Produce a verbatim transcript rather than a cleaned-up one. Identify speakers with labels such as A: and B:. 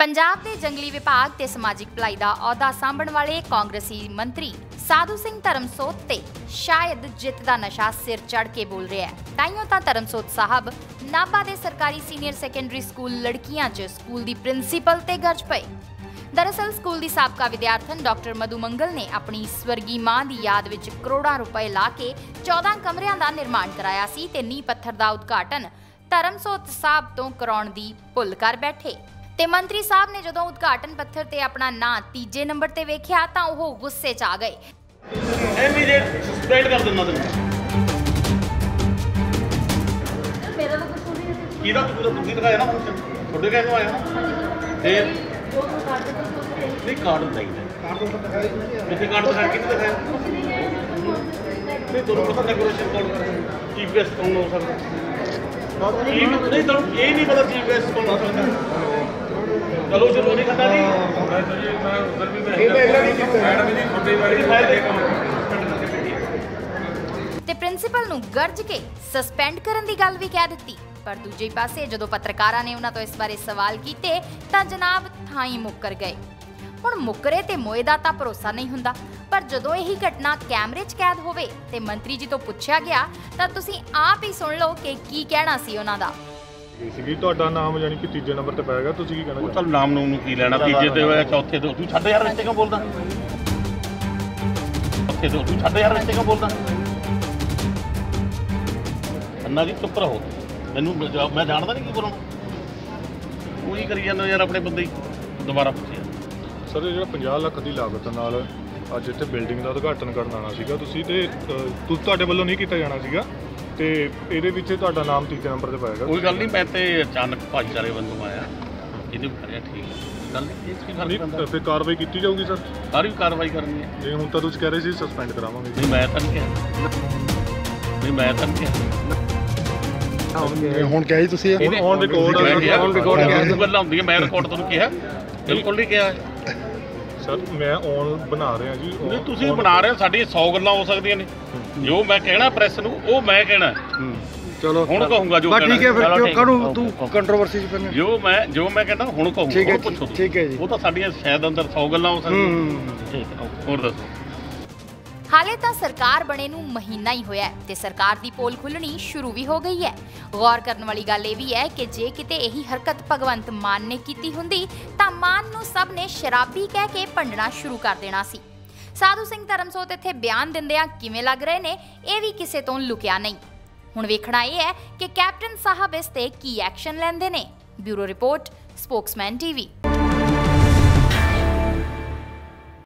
A: पंजाब के जंगली विभाग ते समाजिक भलाई दा अहुदा सांभण वाले कांग्रेसी मंत्री साधु सिंह धर्मसोत ते शायद जित दा नशा सिर चढ़ के बोल रहा है। ताइयों तां धर्मसोत साहब नाभा दे सरकारी सीनियर सैकेंडरी स्कूल लड़कियां च स्कूल दी प्रिंसीपल ते गरज पए। दरअसल स्कूल की साबका विद्यार्थन डॉक्टर मधु मंगल ने अपनी स्वर्गी मां की याद विच करोड़ां रुपए ला के चौदह कमरियां का निर्माण कराया सी ते नींह पत्थर का उद्घाटन धर्मसोत साहब तो कराउण दी भुल कर बैठे। ते मंत्री साहब ने जदों उद्घाटन पत्थर ते अपना नां तीजे नंबर ते वेख्या तां ओह गुस्से च आ गए।
B: इमीडिएट सस्पेंड कर देना तैਨੂੰ
A: मेरा तो कुछ नहीं है
B: ਕਿਹਦਾ ਤੂੰ ਤੁਸੀਂ ਦਿਖਾਇਆ ਨਾ ਫੰਕਸ਼ਨ ਤੁਹਾਡੇ ਕਹਿ ਤੋਂ ਆਇਆ ਨਾ ਫਿਰ ਨਹੀਂ ਕਾਰਡ ਨਹੀਂ ਕਾਰਡ ਤੋਂ ਦਿਖਾਇਆ ਕਿਤੇ ਕਾਰਡ ਦਿਖਾਇਆ ਕਿਤੇ ਦਿਖਾਇਆ ਨਹੀਂ ਤੁਹਾਨੂੰ ਪਤਾ ਡੈਕੋਰੇਸ਼ਨ ਕੌਣ ਚੀਫ ਗੈਸਟ ਕੌਣ ਹੋ ਸਕਦਾ ਨਹੀਂ ਤੁਹਾਨੂੰ ਇਹ ਨਹੀਂ ਪਤਾ ਚੀਫ ਗੈਸਟ ਕੌਣ ਹੋ ਸਕਦਾ चलो चलो नहीं खाता नहीं मैं उधर भी मैं मैडम जी छोटी वाली फाइल
A: ते प्रिंसीपल नूं गरज के सस्पेंड करन दी गल भी कह दित्ती। पर दूजे पासे जदों पत्रकारां ने उन्हां तों इस बारे सवाल कीते तां जनाब थाई मुक्कर गए। हुण मुकरे ते मोए दा तां भरोसा नहीं हुंदा, पर जदों यही घटना कैमरे च कैद होवे ते मंत्री जी तों पुछया गया तां तुसीं आप ही सुण लो कि की कहना सी उन्हां दा।
C: ਸੀਗੀ ਤੁਹਾਡਾ ਨਾਮ ਯਾਨੀ ਕਿ ਤੀਜੇ ਨੰਬਰ ਤੇ ਪਾਏਗਾ, ਤੁਸੀਂ ਕੀ ਕਹਿਣਾ?
B: ਚਲ ਨਾਮ ਨੂੰ ਕੀ ਲੈਣਾ, ਤੀਜੇ ਤੇ ਹੋਇਆ ਚੌਥੇ ਤੇ ਤੂੰ ਛੱਡ ਯਾਰ ਵਿੱਚ ਕਿਉਂ ਬੋਲਦਾ ਚੌਥੇ ਤੇ ਤੂੰ ਛੱਡ ਯਾਰ ਵਿੱਚ ਕਿਉਂ ਬੋਲਦਾ ਅੰਨਾ ਜੀ ਚੁੱਪ ਰਹੋ ਮੈਨੂੰ ਮੈਂ ਜਾਣਦਾ ਨਹੀਂ ਕੀ ਬੋਲਣਾ ਉਹੀ ਕਰੀ ਜਾਂਦਾ ਯਾਰ ਆਪਣੇ ਬੰਦੇ ਹੀ ਦੁਬਾਰਾ ਪੁੱਛਿਆ।
C: ਸਰ ਜਿਹੜਾ ਪੰਜਾਹ ਲੱਖ ਦੀ ਲਾਗਤ ਨਾਲ ਅੱਜ ਇੱਥੇ ਬਿਲਡਿੰਗ ਦਾ ਉਦਘਾਟਨ ਕਰਨ ਆਉਣਾ ਸੀਗਾ ਤੁਸੀਂ ਤੇ ਤੁਹਾਡੇ ਵੱਲੋਂ ਨਹੀਂ ਕੀਤਾ ਜਾਣਾ ਸੀਗਾ ਤੇ ਇਹਦੇ ਵਿੱਚ ਤੁਹਾਡਾ ਨਾਮ ਤੀਜੇ ਨੰਬਰ ਤੇ ਪਾਏਗਾ।
B: ਕੋਈ ਗੱਲ ਨਹੀਂ, ਮੈਂ ਤੇ ਅਚਾਨਕ ਭਾਈਚਾਰੇ ਵੱਲੋਂ ਆਇਆ ਇਹਨੇ ਕਰਿਆ ਠੀਕ ਹੈ ਗੱਲ ਨਹੀਂ ਇਸ ਕੀ ਫਰਕ ਪੈਂਦਾ
C: ਫਿਰ ਕਾਰਵਾਈ ਕੀਤੀ ਜਾਊਗੀ ਸਰ?
B: ਸਾਰੀ ਕਾਰਵਾਈ ਕਰਨੀ ਹੈ
C: ਜੇ ਹੁਣ ਤਾਂ ਤੁਸੀਂ ਕਹਿ ਰਹੇ ਸੀ ਸਸਪੈਂਡ ਕਰਾਵਾਂਗੇ।
B: ਨਹੀਂ ਮੈਂ ਤਾਂ ਨਹੀਂ ਕਿਹਾ ਨਹੀਂ ਮੈਂ ਤਾਂ ਨਹੀਂ ਕਿਹਾ
C: ਹੁਣ ਕਿਹਾ ਜੀ ਤੁਸੀਂ ਔਨ ਰਿਕਾਰਡ
B: ਔਨ ਰਿਕਾਰਡ ਕਿਹਾ ਗੱਲਾਂ ਹੁੰਦੀਆਂ ਮੈਂ ਰਿਕਾਰਡ ਤੁਹਾਨੂੰ ਕਿਹਾ ਬਿਲਕੁਲ ਨਹੀਂ ਕਿਹਾ
C: ਸਰ ਮੈਂ ਔਨ ਬਣਾ ਰਿਹਾ ਜੀ।
B: ਨਹੀਂ ਤੁਸੀਂ ਬਣਾ ਰਹੇ ਹੋ, ਸਾਡੀ ਸੌ ਗੱਲਾਂ ਹੋ ਸਕਦੀਆਂ ਨੇ ਜੋ ਮੈਂ ਕਹਿਣਾ ਪ੍ਰੈਸ ਨੂੰ ਉਹ ਮੈਂ ਕਹਿਣਾ
D: ਚਲੋ
B: ਹੁਣ ਕਹੂੰਗਾ ਜੋ
D: ਕਹਿਣਾ ਠੀਕ ਹੈ ਫਿਰ ਕਿਉਂ ਕਰੂ ਤੂੰ ਕੰਟਰੋਵਰਸੀ ਚ ਪੈਣਾ
B: ਜੋ ਮੈਂ ਜੋ ਮੈਂ ਕਹਿੰਦਾ ਹੁਣ ਕਹੂੰਗਾ ਹੁਣ ਪੁੱਛੋ
D: ਠੀਕ ਹੈ ਜੀ
B: ਉਹ ਤਾਂ ਸਾਡੀਆਂ ਸ਼ਾਇਦ ਅੰਦਰ ਸੌ ਗੱਲਾਂ ਹੋ ਸਕਦੀਆਂ ਠੀਕ ਹੈ ਹੋਰ ਦੱਸੋ।
A: हाले तो सरकार बने नूं महीना ही होया ते सरकार दी पोल खुलनी शुरू भी हो गई है। गौर करने वाली गल ये भी है कि जे किते यही हरकत भगवंत मान ने कीती हुंदी तां मान नूं सब ने शराबी कह के भंडना शुरू कर देना सी। साधु सिंह धर्मसोत इत्थे बयान दिंदियां किवें लग रहे ने ये भी किसे तों लुकिया नहीं। हुण वेखना ये है कि कैप्टन साहब इस ते की एक्शन लैंदे ने। Bureau report, Spokesman TV.